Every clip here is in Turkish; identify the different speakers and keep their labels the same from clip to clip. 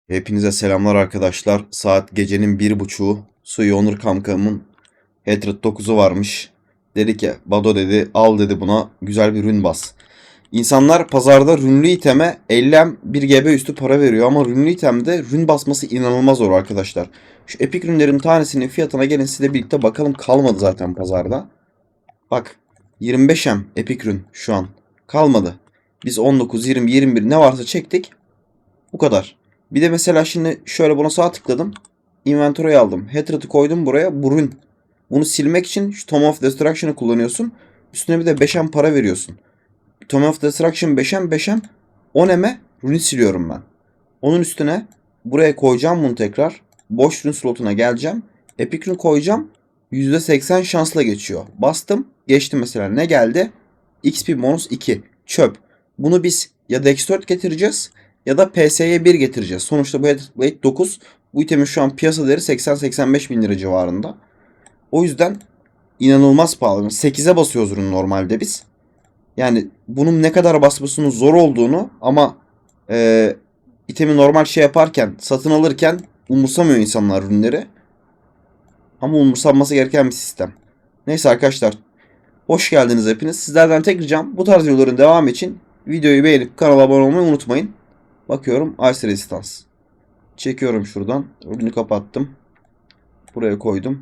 Speaker 1: Hepinize selamlar arkadaşlar. Saat gecenin 1.30'u. Suyu Onur kankamın Hatred 9'u varmış. Dedi ki Bado dedi al dedi buna güzel bir rün bas. İnsanlar pazarda rünlü iteme 50M 1 GB üstü para veriyor ama rünlü itemde rün basması inanılmaz zor arkadaşlar. Şu epik rünlerin tanesinin fiyatına gelin sizle birlikte bakalım, kalmadı zaten pazarda. Bak 25M epik rün şu an kalmadı. Biz 19, 20, 21 ne varsa çektik. Bu kadar. Bir de mesela şimdi şöyle buna sağ tıkladım. Inventory'e aldım. Hatred'ı koydum buraya. Burun. Bunu silmek için şu Tome of Destruction'ı kullanıyorsun. Üstüne bir de 5M para veriyorsun. Tome of Destruction 5M 5M 10M'e rune siliyorum ben. Onun üstüne buraya koyacağım bunu tekrar. Boş rune slotuna geleceğim. Epic rune koyacağım. %80 şansla geçiyor. Bastım. Geçti mesela. Ne geldi? XP bonus 2. Çöp. Bunu biz ya Dex 4 getireceğiz ya da PS'ye 1 getireceğiz. Sonuçta bu Blade 9. Bu itemin şu an piyasa değeri 80-85 bin lira civarında. O yüzden inanılmaz pahalı. 8'e basıyoruz ürün normalde biz. Yani bunun ne kadar basmasının zor olduğunu ama e, itemi normal şey yaparken, satın alırken umursamıyor insanlar ürünleri. Ama umursanması gereken bir sistem. Neyse arkadaşlar, hoş geldiniz hepiniz. Sizlerden tek ricam bu tarz videoların devamı için videoyu beğenip kanala abone olmayı unutmayın. Bakıyorum Ice Resistance. Çekiyorum şuradan. Ürünü kapattım. Buraya koydum.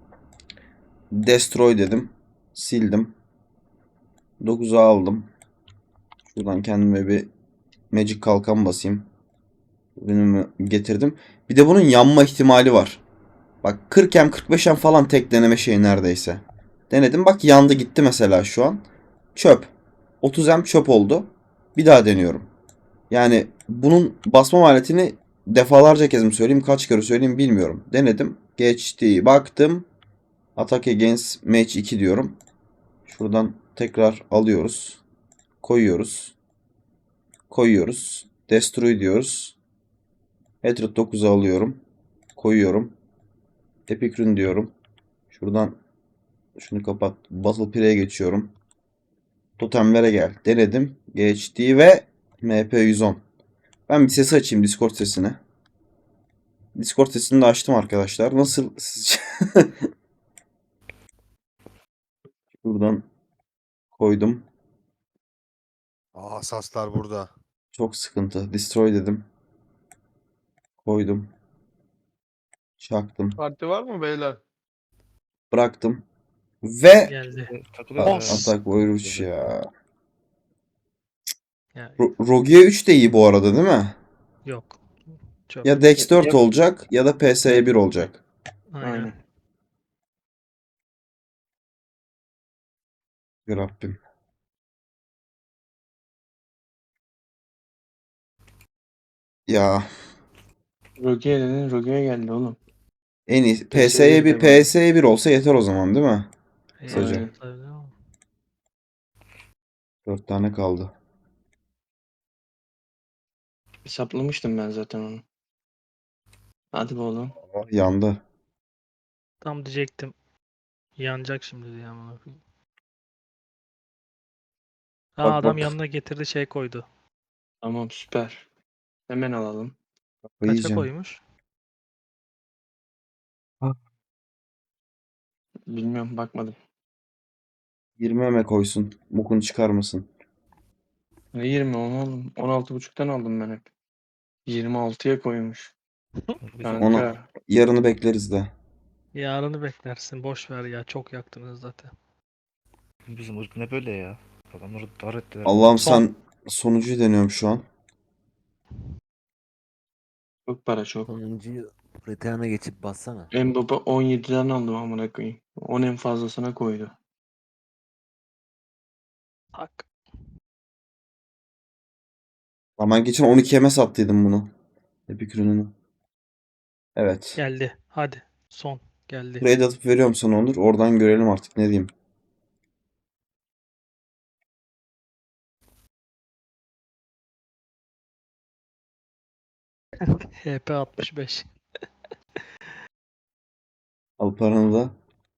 Speaker 1: Destroy dedim. Sildim. 9'a aldım. Şuradan kendime bir Magic kalkan basayım. Ürünümü getirdim. Bir de bunun yanma ihtimali var. Bak 40M 45M falan tek deneme şeyi neredeyse. Denedim bak yandı gitti mesela şu an. Çöp. 30M çöp oldu. Bir daha deniyorum. Yani bunun basma maliyetini defalarca kez mi söyleyeyim kaç kere söyleyeyim bilmiyorum. Denedim. Geçti. Baktım. Attack Against Match 2 diyorum. Şuradan tekrar alıyoruz. Koyuyoruz. Koyuyoruz. Destroy diyoruz. Hatred 9'u alıyorum. Koyuyorum. Epic Rune diyorum. Şuradan şunu kapat. Battle Pre'ye geçiyorum. Totemlere gel. Denedim. Geçti ve MP110. Ben bir sesi açayım, Discord sesini. Discord sesini de açtım arkadaşlar. Nasıl sizce? Buradan koydum.
Speaker 2: Asaslar burada.
Speaker 1: Çok sıkıntı. Destroy dedim. Koydum. Çaktım.
Speaker 3: Parti var mı beyler?
Speaker 1: Bıraktım. Ve
Speaker 4: Geldi.
Speaker 5: Takılıyoruz ya.
Speaker 4: Os.
Speaker 1: atak buyur 3 ya.
Speaker 4: Ya,
Speaker 1: Rogue 3 de iyi bu arada değil mi?
Speaker 4: yok. Çöp.
Speaker 1: Ya Dex 4
Speaker 5: Yok.
Speaker 1: olacak ya da PS'ye 1 olacak.
Speaker 4: Aynen.
Speaker 5: Aynen.
Speaker 1: Ya Rabbim. Ya
Speaker 5: Rogue'ye dedin, Rogue'ye geldi oğlum.
Speaker 1: en iyi
Speaker 5: PS'ye bir de var.
Speaker 1: PS'ye 1 olsa yeter o zaman değil mi? Kısaca.
Speaker 5: Aynen.
Speaker 4: Tabii ama
Speaker 1: 4 tane kaldı.
Speaker 5: Hesaplamıştım ben zaten onu. Hadi be oğlum.
Speaker 1: Ah, yandı.
Speaker 4: tam diyecektim. Yanacak şimdi diye amına koyayım.
Speaker 1: Bak
Speaker 4: Adam
Speaker 1: bak.
Speaker 4: yanına getirdi şey koydu.
Speaker 5: Tamam süper. Hemen alalım.
Speaker 4: Kaça
Speaker 1: Yiyeceğim.
Speaker 4: koymuş?
Speaker 5: Bilmiyorum bakmadım.
Speaker 1: 20 eme koysun. Mukunu çıkarmasın.
Speaker 5: Ne 20 onu oğlum. 16.5'tan aldım ben hep. 26'ya koymuş.
Speaker 1: Onu
Speaker 5: Kanka.
Speaker 1: yarını bekleriz de.
Speaker 4: Yarını beklersin. Boş ver ya. Çok yaktınız zaten.
Speaker 6: Bizim ırk ne böyle ya? Adamları dar ettiler.
Speaker 1: Allah'ım
Speaker 4: Son.
Speaker 1: sen sonucuyu deniyorum şu an.
Speaker 5: Çok para çok.
Speaker 7: Sonuncuyu Return'a geçip bassana.
Speaker 5: Mbappe 17'den aldım amına koyayım. 10 en fazlasına koydu.
Speaker 4: Tak.
Speaker 1: Ama ben geçen 12 eme sattıydım bunu. Epic ürününü. Evet.
Speaker 4: Geldi. Hadi. Son. Geldi.
Speaker 1: Trade atıp veriyorum sana Onur. Oradan görelim artık ne diyeyim.
Speaker 4: HP 65.
Speaker 1: Al paranı da.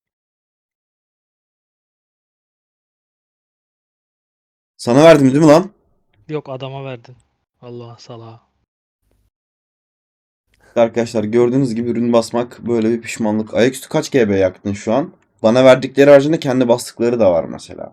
Speaker 1: Sana verdim değil mi lan?
Speaker 4: Yok adama verdin. Allah salağa.
Speaker 1: Arkadaşlar gördüğünüz gibi ürün basmak böyle bir pişmanlık. Ayaküstü kaç GB yaktın şu an? Bana verdikleri haricinde kendi bastıkları da var mesela.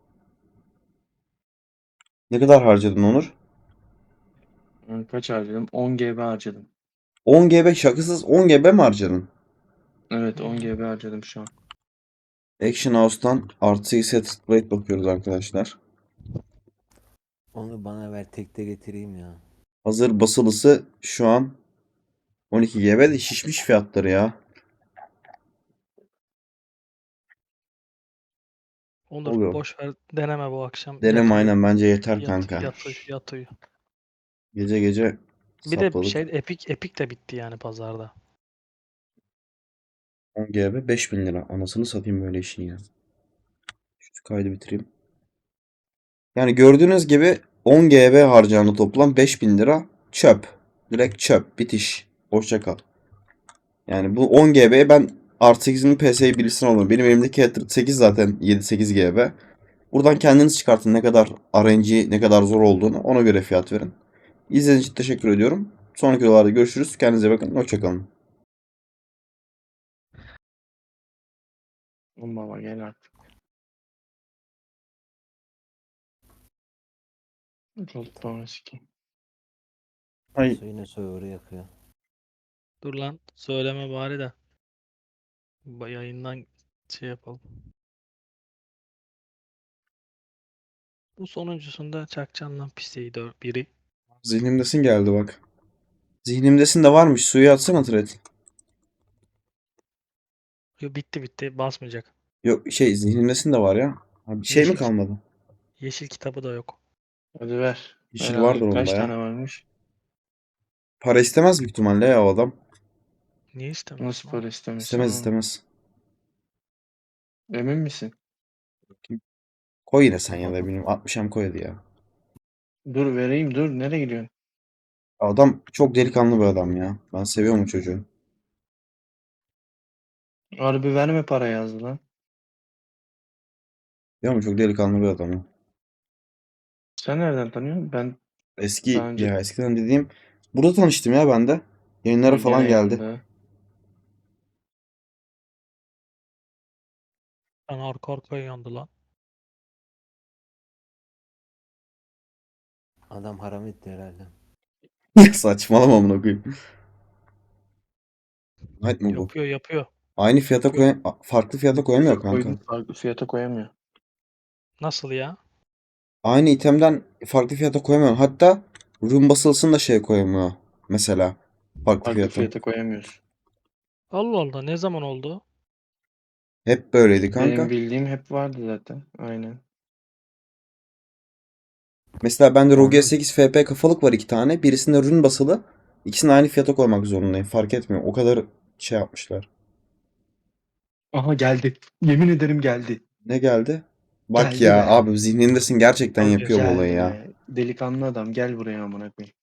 Speaker 1: Ne kadar harcadın Onur?
Speaker 5: Kaç harcadım? 10 GB harcadım.
Speaker 1: 10 GB, şakasız 10 GB mi harcadın?
Speaker 5: Evet, 10
Speaker 4: Hmm.
Speaker 5: GB harcadım şu an.
Speaker 1: Action House'tan artı set plate bakıyoruz arkadaşlar.
Speaker 7: Onu bana ver tekte getireyim ya.
Speaker 1: Hazır basılısı şu an 12 GB de şişmiş fiyatları ya.
Speaker 4: Onur
Speaker 1: Oluyor.
Speaker 4: boş ver deneme bu akşam.
Speaker 1: Deneme aynen, bence yeter
Speaker 4: Yat,
Speaker 1: kanka.
Speaker 4: yat, uyu, yat uyu.
Speaker 1: Gece gece
Speaker 4: Bir de
Speaker 1: sapladık.
Speaker 4: şey Epic de bitti yani pazarda.
Speaker 1: 10 GB 5000 lira. Anasını satayım böyle işin ya. Şu kaydı bitireyim. Yani gördüğünüz gibi 10 GB harcandı, toplam 5000 lira çöp. Direkt çöp. Bitiş. Hoşça kal. Yani bu 10 GB'ye ben R8'in PS'yi birisini alıyorum. Benim elimdeki Ether 8 zaten 7-8 GB. Buradan kendiniz çıkartın ne kadar RNG, ne kadar zor olduğunu, ona göre fiyat verin. İzlediğiniz için teşekkür ediyorum. Sonraki videolarda görüşürüz. Kendinize bakın. Hoşça kalın.
Speaker 5: Oğlum baba gel artık. Gold Power sikeyim.
Speaker 1: Ay.
Speaker 7: Su yine server'ı yakıyor.
Speaker 4: Dur lan söyleme bari de. Yayından şey yapalım. Bu sonuncusunda çakacağım lan piseyi biri.
Speaker 1: Zihnimdesin geldi bak. Zihnimdesin de varmış. Suyu atsana Thread.
Speaker 4: Yo, bitti basmayacak.
Speaker 1: Yok şey, zihnimdesin de var ya. Abi bir şey mi
Speaker 4: Yeşil,
Speaker 1: kalmadı?
Speaker 4: yeşil kitabı da yok.
Speaker 5: Hadi ver. Ver
Speaker 1: Yeşil vardır
Speaker 5: abi.
Speaker 1: onda
Speaker 5: Kaç
Speaker 1: ya.
Speaker 5: tane varmış?
Speaker 1: Para istemez büyük ihtimalle ya o adam.
Speaker 4: Niye istemiyorsun
Speaker 5: Nasıl
Speaker 4: lan?
Speaker 5: para istemesin
Speaker 1: İstemez
Speaker 5: oğlum?
Speaker 1: istemez.
Speaker 5: Emin misin?
Speaker 1: Koy yine sen ya da bilmiyorum. 60'am koy hadi ya.
Speaker 5: Dur vereyim dur. Nereye gidiyorsun?
Speaker 1: Adam çok delikanlı bir adam ya. Ben seviyorum o çocuğu.
Speaker 5: Harbi verme para yazdı lan.
Speaker 1: Biliyor musun? Çok delikanlı bir adam ya.
Speaker 5: Sen nereden tanıyorsun? Ben daha
Speaker 1: Eski
Speaker 5: önce
Speaker 1: ya, eskiden dediğim. Burada tanıştım ya ben de. Yayınlara falan
Speaker 5: gene
Speaker 1: geldi.
Speaker 5: yanında.
Speaker 4: Ben arka arkaya yandı lan.
Speaker 7: Adam haram etti herhalde.
Speaker 1: Saçmalama amına koyayım. Night mı bu?
Speaker 4: Yapıyor.
Speaker 1: Aynı fiyata
Speaker 4: Yapıyor.
Speaker 1: farklı fiyata koyamıyor kanka.
Speaker 5: Farklı fiyata koyamıyor.
Speaker 4: Nasıl ya?
Speaker 1: Aynı itemden farklı fiyata koyamıyor. Hatta ürün basılsın da şey koyamıyor. Mesela farklı
Speaker 5: Farklı
Speaker 1: fiyata.
Speaker 5: fiyata koyamıyorsun.
Speaker 4: Allah Allah ne zaman oldu?
Speaker 1: Hep böyleydi
Speaker 5: Benim
Speaker 1: kanka.
Speaker 5: bildiğim hep vardı zaten. Aynen.
Speaker 1: Mesela bende ROG
Speaker 5: Anladım.
Speaker 1: 8 FP kafalık var, iki tane. Birisinde ürün basılı. İkisini aynı fiyata koymak zorundayım. Fark etmiyor. O kadar şey yapmışlar.
Speaker 5: Aha geldi. Yemin ederim geldi.
Speaker 1: Ne geldi? Bak
Speaker 5: Geldi
Speaker 1: ya
Speaker 5: be.
Speaker 1: abi, zihnindesin, gerçekten
Speaker 4: Tabii.
Speaker 1: yapıyor bu olayı
Speaker 5: Geldi
Speaker 1: ya.
Speaker 5: be. Delikanlı adam gel buraya amına koyayım.